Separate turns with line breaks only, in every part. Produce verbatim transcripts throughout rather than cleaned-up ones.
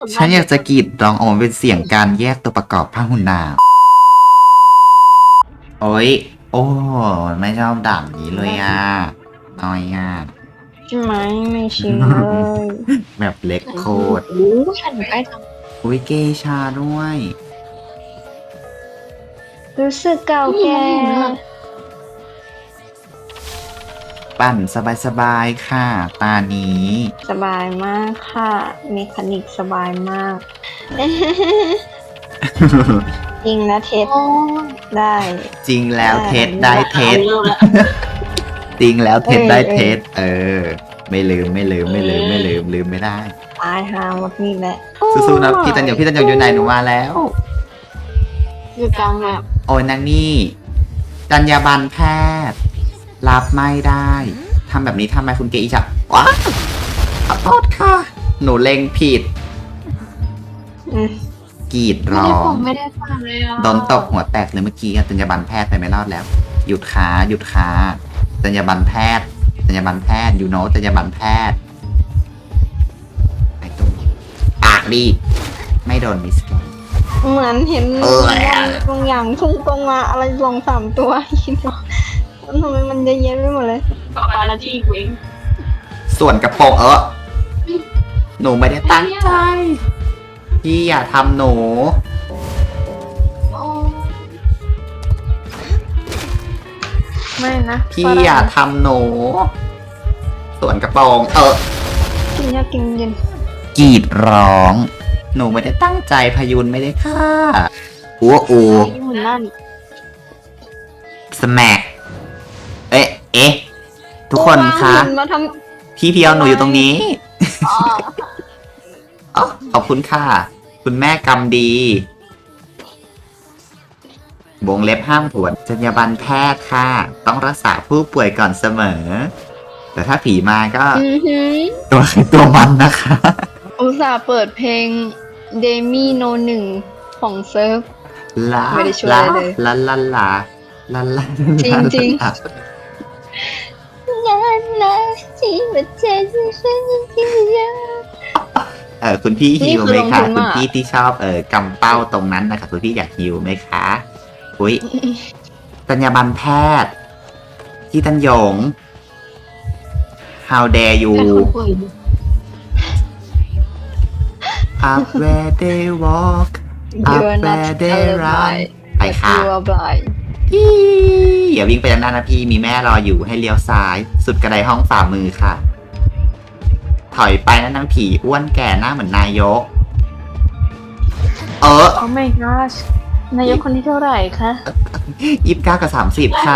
ฉันอยากจะกรีดร้องออกมาเป็นเสียงการแยกตัวประกอบพหุนาโอ้ยโอ้ไม่ชอบด่างนี้เลยอ่ะน้อยอ่ะ
ใช่ไหมไม่ชินเลย
แบบเล็กโคตร
โอ้ฉันอยู่ใกล้จัง
อุ้ยเกชาด้วย
รู้สึกเก่าแก่
ปั่นสบายๆค่ะ ตานี้
สบายมากค่ะเมคานิกสบายมาก จริงนะเทสได้
จริงแล้วเทสได้เทส
อาละ
จริงแล้วเทสได้
เออ
เทสเออ ไม่ลืมไม่ลืมไม่ลืมไม่ลืมลืมไม่ได้
ตายหาหมดนี่แหละ
สู้ๆนะพี่ตันหยงพี่ตันหยงอยู่ไหนหนูมาแล้ว
อยู่กลางแบบ
โอ้ยนางนี่จรรยาบรรณแพทย์ รับไม่ได้ทำแบบนี้ทำไมคุณเกอิจะว้าขอโทษค่ะ หนูเล็งผิด
อืม
กรีดร้อง
ไม่ได้ฟังเลยอ่ะ
โดนตกหัวแตกเลยเมื่อกี้จรรยาบรรณแพทย์ไปไม่รอดแล้ว หยุดขาหยุดขาจรรยาบรรณแพทย์จรรยาบรรณแพทย์ยูโนจรรยาบรรณแพทย์ไอ้ตุ้มปากดีไม่โดนมิสแกน
เหมือนเห็น
เออ
บางอย่างพุ่งตรงมาอะไรสองสามตัวคิดว่าทำไมมันเยอะแยะไปหมดเลยต่อไปละที่กูเอง
ส่วนกระโปรงเออหนูไม่ได้ตั้งใจ พี่อย่าทำหนู
ไม่นะ
พี่อย่าทำหนู ส่วนกระโปรง เออ
กินยากินเย็น
กรีดร้อง หนูไม่ได้ตั้งใจพยุนไม่ได้ค่ะอัวอู
ญี่ปุ่นนั่น
สแม็กเอ๊ะ เอ๊ะ ทุกคนคะ
ตัววางหุ่นมาท
พี่เพียวหนูอยู่ตรงนี้
ำอ๋อ
อ๋อขอบคุณค่ะ คุณแม่กำดีวงเล็บห้ามผวนจรรยาบรรณแพทย์ค่ะ ต้องรักษาผู้ป่วยก่อนเสมอ แต่ถ้าผีมาก็
อือหือ
ตัวใครตัวมันนะคะ
อุตส่าห์เปิดเพลงเดมี่โนหนึ่งของเซิร์ฟ
ลา
ไม่ได้ช่วย
ลา
เลย
ลาลาลาลาลา
จริงจริง
ลา
งานนะที่มาเจอฉันที่เยอะ
เออคุณพี่ฮิวไหม
นี่คือลง
คะ
ทุน
คุณ
มาก
พี่ที่ชอบเออกำเป้าตรงนั้นนะคะคุณพี่อยากฮิวไหมคะอุ้ยจรรยาบรรณแพทย์ที่ตันหยง how dare you
เป็นคนป่วย
up where they walk up
You're not
where they run
alive
ไปค่ะ
You are blind
อีอย่าวิ่งไปด้านหน้านะพี่มีแม่รออยู่ให้เลี้ยวซ้าย สุดกระไดห้องฝ่ามือค่ะ ถอยไปนะนางผีอ้วนแก่หน้าเหมือนนายก เออ
Oh my gosh นายกคนที่เท่าไหร่คะ
ยี่สิบเก้ากับสามสิบค่ะ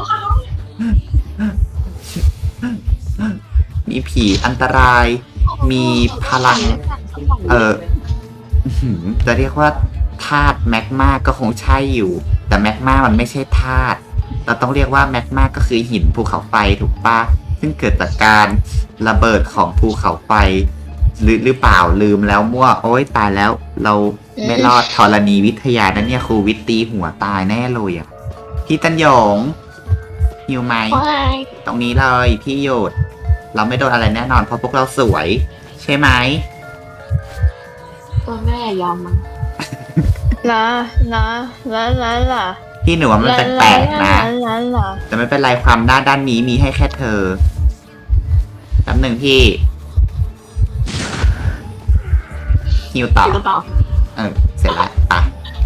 มีผีอันตราย มีพลัง เอออื้อหือจะเรียกว่าธาตุแมกมาก็คงใช่อยู่ แต่แมกมามันไม่ใช่ธาตุเราต้องเรียกว่าแมกมาก็คือหินภูเขาไฟถูกปะซึ่งเกิดจากการระเบิดของภูเขาไฟหรือหรือเปล่าลืมแล้วมั่วโอ๊ยตายแล้ว เราไม่รอดธรณีวิทยานะเนี่ยครูวิทย์ตีหัวตายแน่เลยอ่ะพี่ตันหยงหิวไหม ตรงนี้เลยพี่หยุดเราไม่โดนอะไรแน่นอนเพราะพวกเราสวย ใช่ไหม
ตัวแม่ยอมมันนะนะละละละ
พี่หนูว่ามันแปลกๆนะ
ละละ
แต่ไม่เป็นไรความด้านด้านนี้มีให้แค่เธอแป๊บหนึ่งพี่ฮิวต่อ
ต่อ
เออเสร็จแล้วไป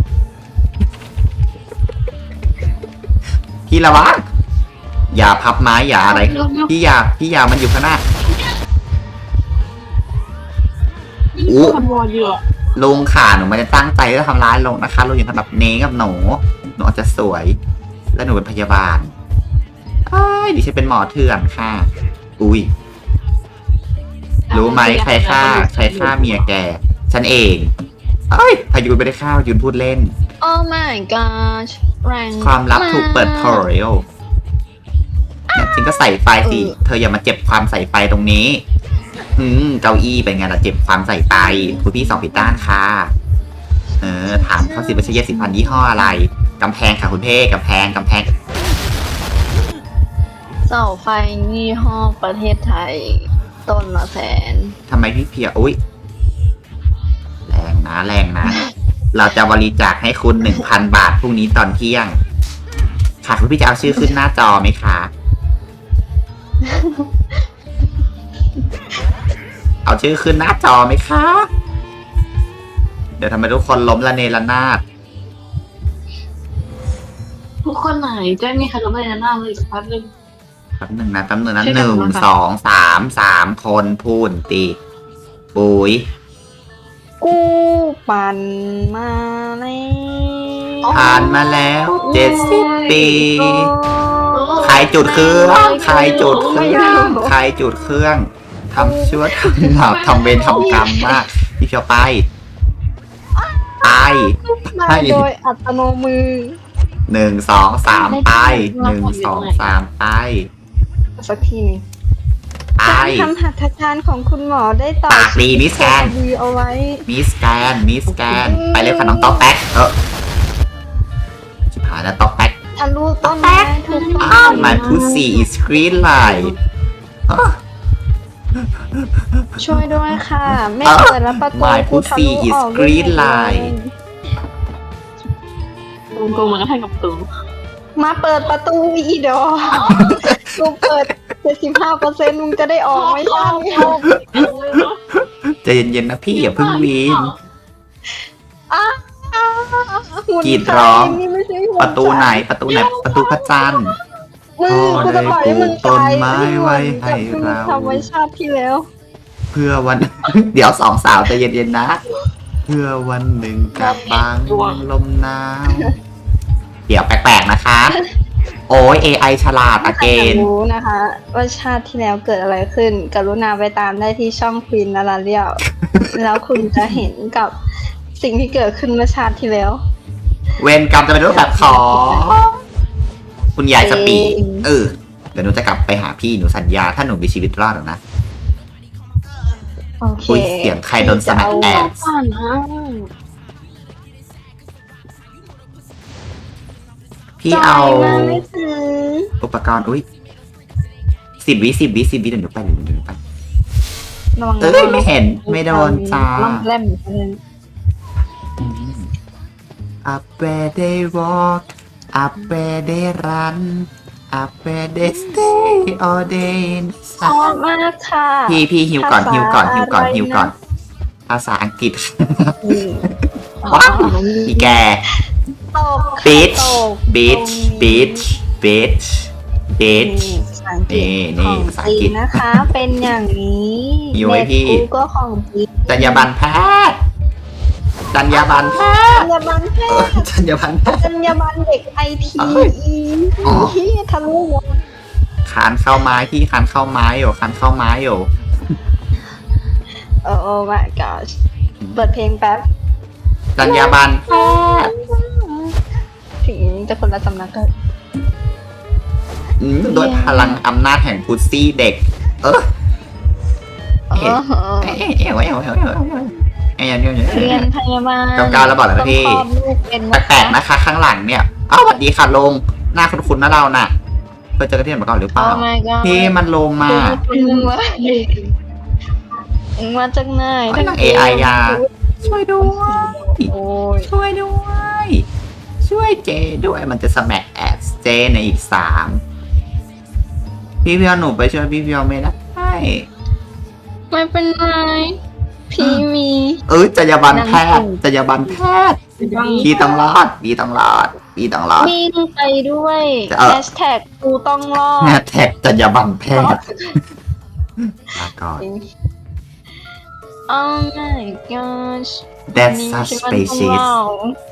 พี่ระวังอย่าพับไม้อย่าอะไร พี่อย่าพี่อย่ามันอยู่ข้างหน้าอู้
คนวอเยอะ
ลุงค่ะหนูไม่ได้ตั้งใจจะทำร้ายลงนะคะลุงอย่างทำแบบเน้กับหนูหนูอาจจะสวย และหนูเป็นพยาบาลอ้ายดิฉันเป็นหมอเถื่อนค่ะ อุ้ยรู้ไหมใครฆ่าใครฆ่าเมียแก ฉันเองเอ้ยพายุนไม่ได้ฆ่าพายุนพูดเล่น
โอ้ my gosh แรง
ความลับถูกเปิดเผยเนี่ยจริงก็ใส่ไฟสิ
เออ
เธออย่ามาเจ็บความใส่ไฟตรงนี้ อืมเก้าอี้เป็นไงล่ะเจ็บความใส่ไฟคุณพี่สองผิดด้านค่ะ เออ ถามเขาสิว่าใช้ยาสีฟันยี่ห้ออะไร กำแพงค่ะคุณเพ่กำแพงกำแพง
เสาไฟยี่ห้อประเทศไทย ต้นละแสน
ทำไมพี่เพียอุ้ยแรงนะ เราจะบริจาคให้คุณหนึ่งพันบาทพรุ่งนี้ตอนเที่ยง ค่ะคุณพี่จะเอาชื่อขึ้นหน้าจอไหมคะ เอาชื่อขึ้นหน้าจอไหมคะ เดี๋ยวทำไมทุกคนล้มละเนระนาด
ทุกคนไหนแจ้งมีใครรู้ไหมนะหน้าเลยสักพักหนึ่ง
แป๊บหนึ่งนะแป๊บหนึ่งนะ
ช่วย
ห
กัน
นึ่ง
นะคะ
สองสามสามคนพูนตีปุ๋ย
กูปั่นมาแล้ว
ผ่านมาแล้วเจ็ดสิบปี ใครจุดเครื่องใครจุดเครื่องใครจุดเครื่องทำชั่วทำบาปทำเวรทำกรรมมากพี่เพียวไปไป
มาโดยอัตโนมือ
หนึ่งสองสามไปหนึ่งสองสามไป
สักทีหนึง
ไป
การทำหัตถการของคุณหมอได้ต่อ
ปากดีมิสแกน
ดีเอาไว้
มิสแกนมิสแกนไปเลยค่ะน้องต๊อกแป๊กเออชิบหายแล้วต๊อกแป๊ก
ทะลุต้นไม้ถูกต้
อ้าว
อง
my pussy is green light
ช่วยด้วยค่ะ ไม่เปิดแล้วประตู
My
กูทะลุ
pussy is
ออก
green light
กูกูมันก็ให้กับตู
มาเปิดประตูอีดอกูเปิด เจ็ดสิบห้าเปอร์เซ็นต์ มึงจะได้ออกไม่ใช่
ใจเย็นๆนะพี่อย่าเพิ่งวีน
อ้าวหุ่น
กรีดร้อง
ไฟนี่ไม่ใช่หุ่น
ประตูไหนประตูไหนประตูพระจันทร์
มึงกูจะปล่อยให้มึง
ต้น
ตาย
ไม้ไว้ให้
กับ
เรา
ธรรมชาติที่แล้ว
เพื่อวัน เดี๋ยวสองสาวใจเย็นๆนะ เพื่อวันหนึ่งกับบางลมหนาวเดี๋ยวแปลกๆนะคะ โอ้ย เอ ไอ ฉลาดอะเก
ถ้าอยาก
น
รู้นะคะ ว่าชาติที่แล้วเกิดอะไรขึ้น กรุณาไปตามได้ที่ช่องควีนนาราเรียว แล้วคุณจะเห็นกับสิ่งที่เกิดขึ้นเมื่อชาติที่แล้ว
เวรกรรมจะเป็นรูปแบบของคุณยายสปีด
เอง
เออ เดี๋ยวหนูจะกลับไปหาพี่หนูสัญญา ถ้าหนูมีชีวิตรอดหรอกนะ
โอเค
อุ๊ยเสียงใครโดนสมัครแอด
ผ่านนะ
พี่เอา
จ่ยมาไม่ถึง
อุปกรณ์ อุ้ยสิบวิสิบวิสิบวิเดี๋ยวหนูไปเดี๋ยวหนูไป
ระวังนะ
เอ้ยไม่เห็นไม่โดนจ้า
ล่ำแล่มอยู่นั่น
Up where they walk Up where they run Up where they stay all day in the
ชอบ
sun
มากค่ะ
พี่พี่ฮิวก่อน
ภาษา
ฮิวก่อนฮิวก่อน
อะไรนะ
ฮิวก่อน ภาษาอังกฤษ
อืม
ว้าวอีแก
ตก
bitch
ตก
bitch bitch bitch
นี่
bitch
ภาษาอังกฤษ
นี่นี่
ของ
ภาษา
จ
อัง
ริ
กฤ
ง
ษ
นะคะ เป็นอย่างนี้
อยู่ไว้พี่
เน็ตกูก็ของจริง
จรรยาบรรณแพทย์จรรยาบรรณแพ
จร
ทย์
รยาบรรณแพ
เออ
ทย์
จรรยาบรรณแพทย์
จรรยาบรรณเด็กไอที
เอ้ยอ๋อ
ที่ทะลุหัว
คานเข้าไม้พี่คานเข้าไม้อยู่คานเข้าไม้อยู่
โอ้ my gosh เปิดเพลงแป๊บ
จรรยาบรรณแพทย์
ถึงจะคนละสำนักก็
อืมด้วยพลังอำนาจแห่งพุซซี่เด็ก เออ
เออ
เอ้ยเอ้ยเอ้ยเอ้ยเอ้ยเอ้ยเอ้ยเอ้ยเอ้ยเอ้ยเอ้ยเอ้ยเอ้ย
เรียนพยาบาล
เก้าเก้าแล้วบอกแล้วนะพี่
ต้องคลอดลูกเป็นนะ
แปลกๆนะคะ ข้างหลังเนี่ยอ้าวสวัสดีค่ะลงหน้าคุ้นๆนะเราน่ะเคยเจอกันที่ไหนมาก่อนหรือเป
โอ้
ล่า
my god
พี่มันลงมา
มึงว่ามึงมาจากไหน
ไอ้นาง เอ ไอ ยา ช่วยด้วย
โอ้ย
ช่วยด้วย ช่วยเจด้วยมันจะสมัครแอดเจในอีกสามพี่เพียวหนูไปช่วยพี่เพียวไม่ได้
ไม่เป็นไรพี่มี
เอ้ยจรรยาบรรณแพทย์จรรยาบรรณแพทย์พี่ต้องรอดพี่ต้องรอดพี่ต้องรอด
วิ่งไปด้วย
จะเออ
แฮชแท็กกูต้องรอด
แฮชแท็กจรรยาบรรณแพทย์ลาก่อน
Oh my gosh
That's
นี่
such
คิดว่าต้อง
species
เล่า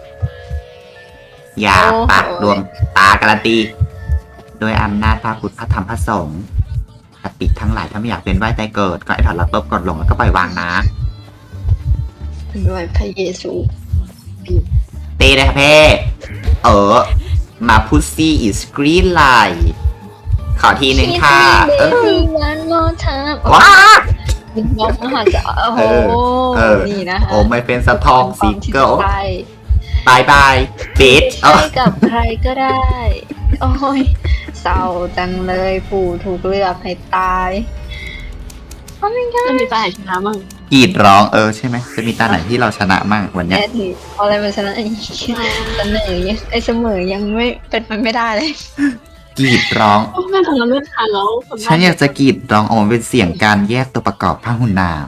อย่า
โอ้โห
ปากดวงตาการันตีโดยอำนาจพระพุทธพระธรรมพระสงฆ์สติทั้งหลายถ้าไม่อยากเป็นไหวตายเกิดก็ให้ถอดรับลบกดลงแล้วก็ปล่อยวางนะ
ด้วยพระเยซู
ตีเลยค่ะเพ่เออ มาพุซซี่อิสกรีนไลน์ขอทีหนึ่งค่ะ เออ
วันโมทาม
ว้า
บินบอกมหาจะโอ้โห
เออ
นี่นะคะ
โอ้ไม่เป็นสะทองซิงเกิล
ใช่
บายบายปิดเอ
ใช่
อ
กับใครก็ได้ โอ้ยเศร้าจังเลยผู้ถูกเลือกให้ตาย โอ้ my god
จะมีตายชนะมั้ง
กรีดร้องเออใช่ไหมจะมีตาไหนที่เราชนะมั่งวันเนี้ย
แอดถือเอาอะไรมาชนะอีกเสนอยังไอเสมอยังไม่เป็นมันไม่ได้เลย
กรีดร้อง
ไม่ทำแล้วไม่ทันแล้ว
ฉันอยากจะกรีดร้องออกมาเป็นเสียงการแยกตัวประกอบผ้าหุ่นนาง